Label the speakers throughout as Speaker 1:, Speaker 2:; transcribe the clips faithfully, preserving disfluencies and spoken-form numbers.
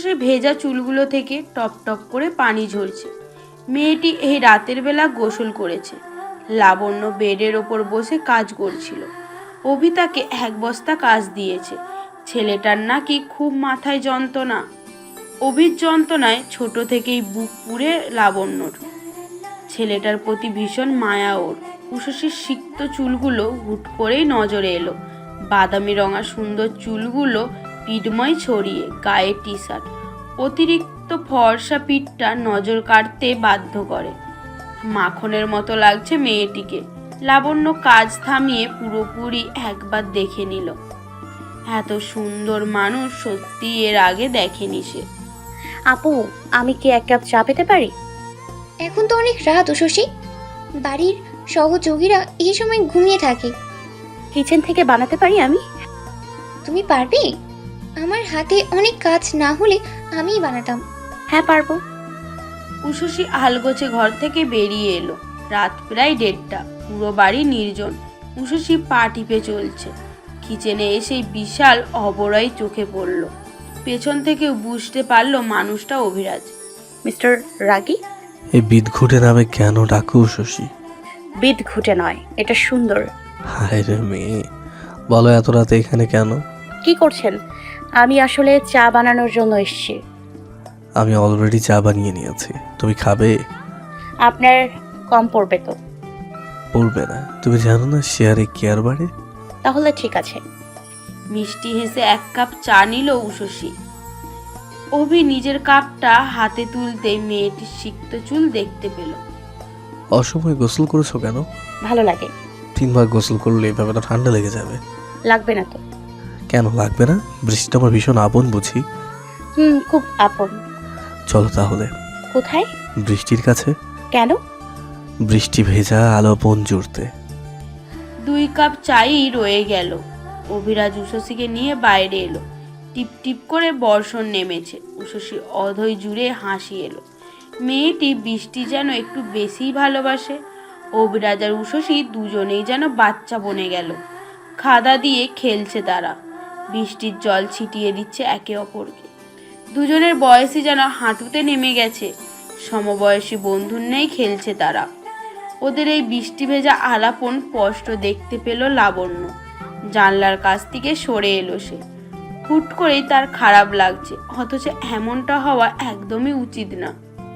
Speaker 1: উষসীর ভেজা চুলগুলো থেকে টপ টপ করে পানি ঝরছে। মেয়েটি এই রাতের বেলা গোসল করেছে। লাবণ্য বেডের ওপর বসে কাজ করছিল। অভি তাকে এক বস্তা কাজ দিয়েছে। ছেলেটার নাকি খুব মাথায় যন্ত্রণা। অভির যন্ত্রণায় ছোট থেকেই বুক পুড়ে লাবণ্যর। ছেলেটার প্রতি ভীষণ মায়া ওর। উষসীর সিক্ত চুলগুলো হুট করেই নজরে এলো। বাদামি রঙা সুন্দর চুলগুলো পিঠময় ছড়িয়ে, গায়ে টি শার্ট, অতিরিক্ত ফর্সা পিঠটা নজর কাটতে বাধ্য করে। মাখনের মতো লাগছে মেয়েটিকে। লাবণ্য কাজ থামিয়ে পুরোপুরি একবার দেখে নিল। এত সুন্দর মানুষ সত্যি এর আগে দেখেনি সে।
Speaker 2: আপু, আমি কি এক কাপ চা পেতে পারি?
Speaker 3: এখন তো অনেক রাত উষসী, বাড়ির সহযোগীরা এই সময় ঘুমিয়ে থাকে।
Speaker 2: কিচেন থেকে বানাতে পারি আমি।
Speaker 3: তুমি পারবে? আমার হাতে অনেক কাজ না হলে আমিই বানাতাম।
Speaker 2: হ্যাঁ পারবো।
Speaker 1: উষসী আলগোছে ঘর থেকে বেরিয়ে এলো। রাত প্রায় দেড়টা, পুরো বাড়ি নির্জন। উষসী পা টিপে চলছে। কিচেনে এসেই বিশাল অবরয় চোখে পড়ল। পেছন থেকেও বুঝতে পারলো মানুষটা অভিরাজ।
Speaker 2: মিস্টার রাগী?
Speaker 4: এই বিদঘুটে নামে কেন ডাকো উষসী?
Speaker 2: বিদ ঘুটে নয়, এটা সুন্দর।
Speaker 4: হায় রে মেয়ে, বলো এত রাতে এখানে কেন?
Speaker 2: কি করছেন? আমি আসলে চা বানানোর জন্য এসেছি।
Speaker 4: আমি অলরেডি চা বানিয়ে নিয়েছি, তুমি খাবে?
Speaker 2: আপনার কম পড়বে তো।
Speaker 4: পড়বে না? তুমি জানো না শেয়ারে কেয়ার বাড়ে?
Speaker 2: তাহলে ঠিক আছে।
Speaker 1: মিষ্টি হেসে এক কাপ চা নিল উষসী। অভি নিজের কাপটা হাতে তুলতেই মেয়েটির সিক্ত চুল দেখতে পেল।
Speaker 4: অসময় গোসল করেছো কেন?
Speaker 2: ভালো লাগে।
Speaker 4: তিনবার গোসল করলে এভাবে তো ঠান্ডা লেগে যাবে।
Speaker 2: লাগবে না তো।
Speaker 4: কেন লাগবে না? বৃষ্টিটা আমার ভীষণ আপন বুঝি।
Speaker 2: হুম, খুব আপন।
Speaker 4: চলো তাহলে।
Speaker 2: কোথায়?
Speaker 4: বৃষ্টির কাছে।
Speaker 2: কেন?
Speaker 4: বৃষ্টি ভেজা আলো বন জুড়তে।
Speaker 1: দুই কাপ চাই রয়ে গেল। অভিরাজ উষসীকে নিয়ে বাইরে এলো। টিপ টিপ করে বর্ষণ নেমেছে। উষসী অধৈ জুড়ে হাসি এলো। মেয়েটি বৃষ্টি যেন একটু বেশিই ভালোবাসে। অভিরাজ আর উষসী দুজনেই যেন বাচ্চা বনে গেল। খাদা দিয়ে খেলছে তারা। বৃষ্টির জল ছিটিয়ে দিচ্ছে একে অপরকে। দুজনের বয়সই যেন হাঁটুতে নেমে গেছে। সমবয়সী বন্ধুর নেই খেলছে তারা। ওদের এই বৃষ্টি ভেজা আলাপন স্পষ্ট দেখতে পেল লাবণ্য। জানলার কাছ থেকে সরে এলো সে। হুট করেই তার খারাপ লাগছে, অথচ এমনটা হওয়া একদমই উচিত না।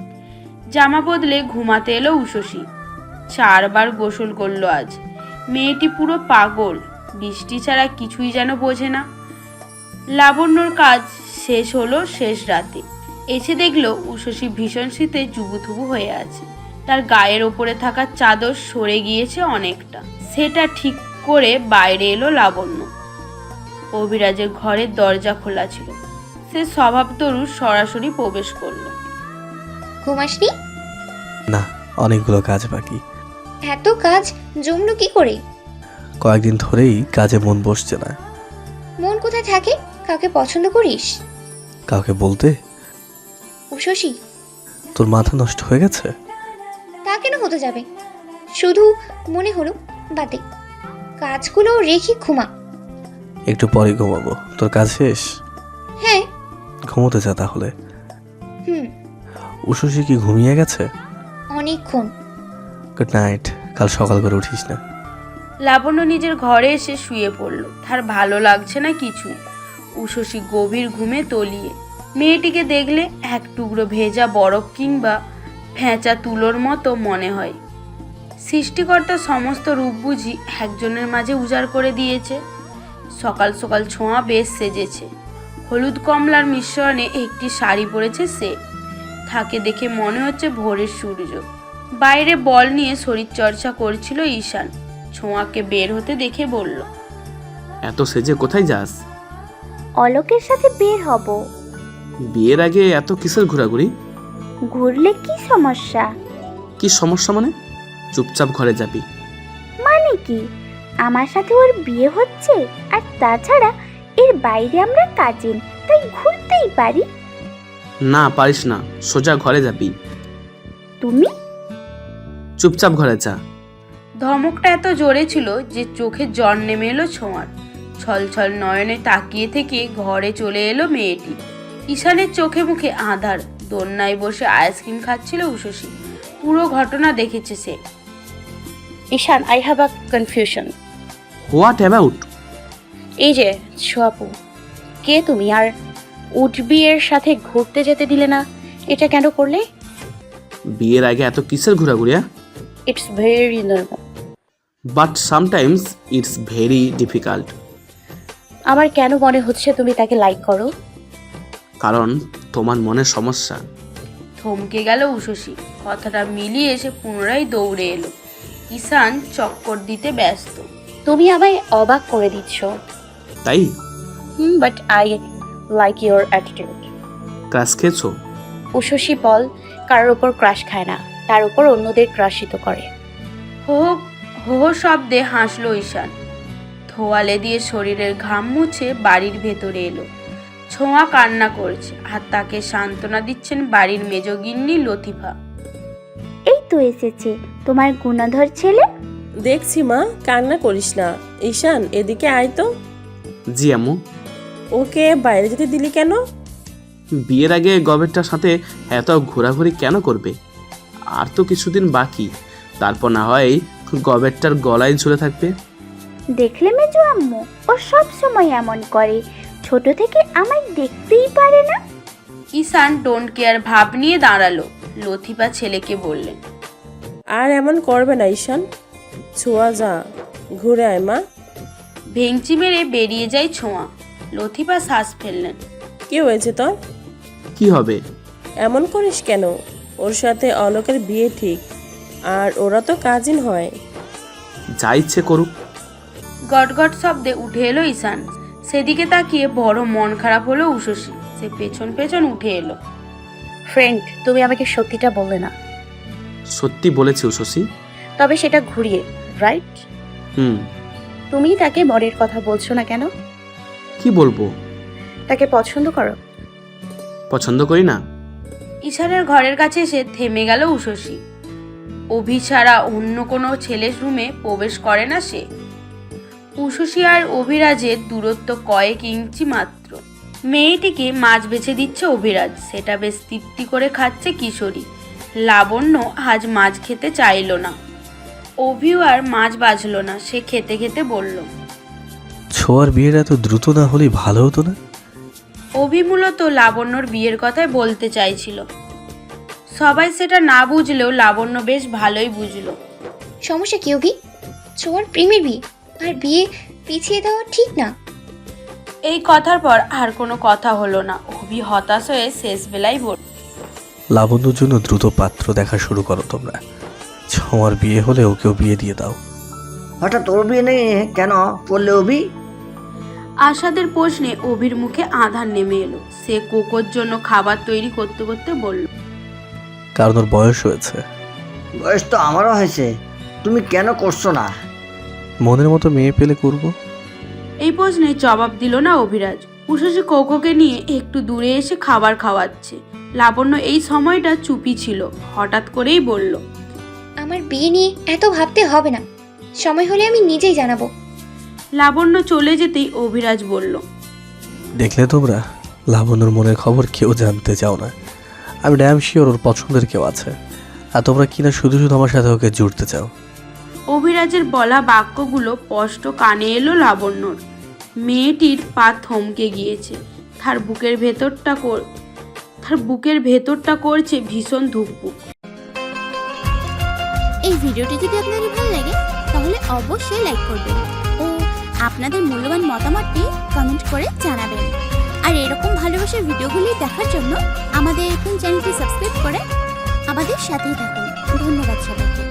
Speaker 1: জামা বদলে ঘুমাতে এলো উষসী। চারবার গোসল করলো আজ। মেয়েটি পুরো পাগল। বৃষ্টি ছাড়া কিছুই যেন বোঝে না। লাবণ্যর কাজ শেষ হলো শেষ রাতে। এসে দেখলো উষসী ভীষণ শীতে জুবুথুবু হয়ে আছে। তার গায়ের ওপরে থাকা চাদর সরে গিয়েছে অনেকটা। সেটা ঠিক করে বাইরে এলো লাবণ্য। অভিরাজের ঘরের দরজা খোলা ছিল। সে স্বভাবতরু সরাসরি প্রবেশ করলো।
Speaker 3: ঘুমাসনি?
Speaker 4: না, অনেকগুলো কাজ বাকি।
Speaker 3: এত কাজ জমলো কি করে?
Speaker 4: কয়েকদিন ধরেই কাজে মন বসছে না।
Speaker 3: মন কোথায় থাকে? কাউকে পছন্দ করিস?
Speaker 4: কাউকে বলতে?
Speaker 3: উষসী,
Speaker 4: তোর মাথা নষ্ট হয়ে গেছে?
Speaker 3: তা কেন হতে যাবে? শুধু মনে হলো, বাদে কাজগুলো রেখে ঘুমা।
Speaker 4: একটু পরে ঘুমাবো। তোর কাজ শেষ?
Speaker 3: হ্যাঁ।
Speaker 4: ঘুমোতে যা তাহলে।
Speaker 3: হুম।
Speaker 4: উষসী কি ঘুমিয়ে গেছে?
Speaker 3: অনেকক্ষণ।
Speaker 4: Good night. কাল সকাল করে উঠিস না।
Speaker 1: লাবণ্য নিজের ঘরে এসে শুয়ে পড়ল। তার ভালো লাগছে না কিছু। উষসী গভীর ঘুমে তলিয়ে। মেয়েটিকে দেখলে এক টুকরো ভেজা বরফ কিংবা ফেঁচা তুলোর মতো মনে হয়। সৃষ্টিকর্তা সমস্ত রূপ বুঝি একজনের মাঝে উজাড় করে দিয়েছে। সকাল সকাল ছোঁয়া বেশ সেজেছে। হলুদ কমলার মিশ্রণে একটি শাড়ি পরেছে সে। তাকে দেখে মনে হচ্ছে ভোরের সূর্য। বাইরে বল নিয়ে শরীরচর্চা করছিল ঈশান। ছোঁয়াকে বের হতে দেখে বলল,
Speaker 5: এত সেজে কোথায় যাস?
Speaker 6: অলোকের সাথে বের হব।
Speaker 5: বিয়ের আগে এত কিসের ঘোরাঘুরি?
Speaker 6: ঘুরলে কি সমস্যা?
Speaker 5: কি সমস্যা মানে? চুপচাপ ঘরে যাবি।
Speaker 6: মানে কি? আমার সাথে ওর বিয়ে হচ্ছে, আর তাছাড়া এর বাইরে আমরা কাজিন, তাই ঘুরতেই পারি।
Speaker 5: না পারিস না, সোজা ঘরে যাবি।
Speaker 6: তুমি
Speaker 5: চুপচাপ ঘরে যা।
Speaker 1: ধমকটা এত জোরে ছিল যে চোখে জল নেমে এলো ছোঁয়ার। ছলছল নয়নে তাকিয়ে থেকে ঘরে চলে এলো মেয়েটি। ঈশানের চোখে মুখে আঁধার। দোলনায় বসে আইসক্রিম খাচ্ছিল উষসী। পুরো ঘটনা দেখেছে সে।
Speaker 2: Ishan, I have a confusion.
Speaker 5: What about?
Speaker 2: এই যে ছোয়াপু, কে তুমি? আর উঠবি এর সাথে ঘুরতে যেতে দিলে না, এটা কেন করলে?
Speaker 5: বিয়ের আগে এত কিসের ঘোরাঘুরি?
Speaker 2: It's very normal.
Speaker 5: But sometimes it's very difficult.
Speaker 2: আমার কেন মনে হচ্ছে তুমি তাকে লাইক করো?
Speaker 5: কারণ তোমার মনের সমস্যা।
Speaker 1: থমকে গেল উষসী। কথাটা মিলিয়ে এসে পুনরায় দৌড়ে এলো। ঈশান চক্কর দিতে ব্যস্ত।
Speaker 2: তুমি আমায় অবাক করে দিচ্ছ।
Speaker 5: তাই?
Speaker 2: Hmm, but I like your attitude.
Speaker 5: Crush খেয়েছো?
Speaker 2: উষসী বল কারোর ওপর ক্রাশ খায় না, তার উপর অন্যদের ক্রাশিত করে।
Speaker 1: হো হো হো হো শব্দে হাসলো ঈশান। থোয়ালে দিয়ে শরীরের ঘাম মুছে বাড়ির ভেতরে এলো। ছোঁয়া কান্না করছে আর তাকে সান্ত্বনা দিচ্ছেন বাড়ির মেজগিন্নি লতিফা।
Speaker 6: এই তো এসেছে তোমার গুণধর ছেলে।
Speaker 7: দেখছি মা, কান্না করিস না। ঈশান, এদিকে আয় তো।
Speaker 5: জি আম্মু।
Speaker 7: ওকে বাইরে যেতে দিলি কেন?
Speaker 5: বিয়ের আগে গবেরটার সাথে এত ঘোরাঘুরি কেন করবে? আর তো কিছুদিন বাকি, তারপর না হয় গবেরটার গলায় ঝুলে থাকবে।
Speaker 6: দেখলে মেজো আম্মু, ও সব সময় এমন করে, ছোট থেকে আমায় দেখতেই পারে না।
Speaker 1: ঈশান ডোন্ট কেয়ার ভাব নিয়ে দাঁড়ালো। লতিফা ছেলেকে বললেন,
Speaker 7: আর এমন করবে না ঈশান। ছোঁয়া যা, ঘুরে আয় মা।
Speaker 1: ভেঙচি মেরে বেরিয়ে যায় ছোঁয়া। লতিফা শ্বাস ফেললেন।
Speaker 7: কি হয়েছে তোর?
Speaker 5: কি হবে?
Speaker 7: এমন করিস কেন? ওর সাথে অলোকের বিয়ে ঠিক, আর ওরা তো কাজিন হয়।
Speaker 5: যা ইচ্ছে করুক।
Speaker 1: গটগট শব্দে উঠে এলো ঈশান। সেদিকে তাকিয়ে বড় মন খারাপ হলো উষসী। সে পেছন পেছন উঠে এলো।
Speaker 2: ফ্রেন্ড, তুমি আমাকে সত্যিটা বললে না,
Speaker 5: সত্যি বলেছি উষসী।
Speaker 2: তবে সেটা ঘুরিয়ে, রাইট?
Speaker 5: হুম।
Speaker 2: তুমি তাকে মনের কথা বলছো না কেন?
Speaker 5: কি বলবো?
Speaker 2: তাকে পছন্দ করো?
Speaker 5: পছন্দ করি না।
Speaker 1: ঈশানের ঘরের কাছে এসে থেমে গেল উষসী। অভি ছাড়া অন্য কোনো ছেলের রুমে প্রবেশ করে না সে। উষসী আর অভিরাজের দূরত্ব কয়েক ইঞ্চি মাত্র। মেয়েটিকে মাছ বেছে দিচ্ছে অভিরাজ, সেটা বেশ তৃপ্তি করে খাচ্ছে কিশোরী। লাবণ্য আজ মাছ খেতে চাইল না। অভিও আর মাছ বাজল না, সে খেতে খেতে বলল,
Speaker 4: ছোঁয়ার বিয়ের এত দ্রুত না হলেই ভালো হতো না?
Speaker 1: অভি মূলত লাবণ্যর বিয়ের কথাই বলতে চাইছিল। সবাই সেটা না বুঝলেও লাবণ্য বেশ ভালোই বুঝলো।
Speaker 3: সমস্যা কি অভি? ছোঁয়ার প্রেমের বিয়ে, আর বিয়ে পিছিয়ে দেওয়া ঠিক না।
Speaker 1: এই কথার পর আর কোনো কথা হলো না। অভি হতাশ হয়ে শেষ বেলায় বলল,
Speaker 4: লাবণ্যর জন্য দ্রুত পাত্র দেখা শুরু করো তোমরা। ছোঁয়ার বিয়ে হলে ওকেও বিয়ে দিয়ে দাও।
Speaker 8: হঠাৎ ওর বিয়ে নিয়ে কেন পড়লে অভি?
Speaker 1: আশাদের প্রশ্নে অভির মুখে আধার নেমে এলো। সে কোকোর জন্য খাবার তৈরি করতে করতে বলল,
Speaker 4: কারণ ওর বয়স হয়েছে।
Speaker 8: বয়স তো আমারও হয়েছে, তুমি কেন করছো না?
Speaker 4: মনের মতো মেয়ে পেলে করব।
Speaker 1: এই প্রশ্নে জবাব দিল না অভিরাজ। উষসী কোকোকে নিয়ে একটু দূরে এসে খাবার খাওয়াচ্ছে। লাবণ্য এই সময়টা চুপি ছিল। হঠাৎ করেই বলল,
Speaker 3: আমার বিয়ে নিয়ে এত ভাবতে হবে না, সময় হলে আমি নিজেই জানাবো।
Speaker 1: লাবণ্য চলে যেতেই অভিরাজ বলল,
Speaker 4: দেখলে তোমরা, লাবণ্যর মনের খবর কেউ জানতে চাও না। আমি ড্যাম শিওর ওর পছন্দের কেউ আছে, আর তোমরা কিনা শুধু শুধু আমার সাথে ওকে জুড়তে চাও।
Speaker 1: অভিরাজের বলা বাক্যগুলো স্পষ্ট কানে এলো লাবণ্যর। মেয়েটির পা থমকে গিয়েছে। তার বুকের ভেতরটা কর তার বুকের ভেতরটা করছে ভীষণ ধুকপুক।
Speaker 9: এই ভিডিওটি যদি আপনাদের ভালো লাগে তাহলে অবশ্যই লাইক করবেন ও আপনাদের মূল্যবান মতামতটি কমেন্ট করে জানাবেন। আর এরকম ভালোবাসার ভিডিওগুলি দেখার জন্য আমাদের এখন চ্যানেলটি সাবস্ক্রাইব করে আমাদের সাথেই থাকুন। ধন্যবাদ সবাইকে।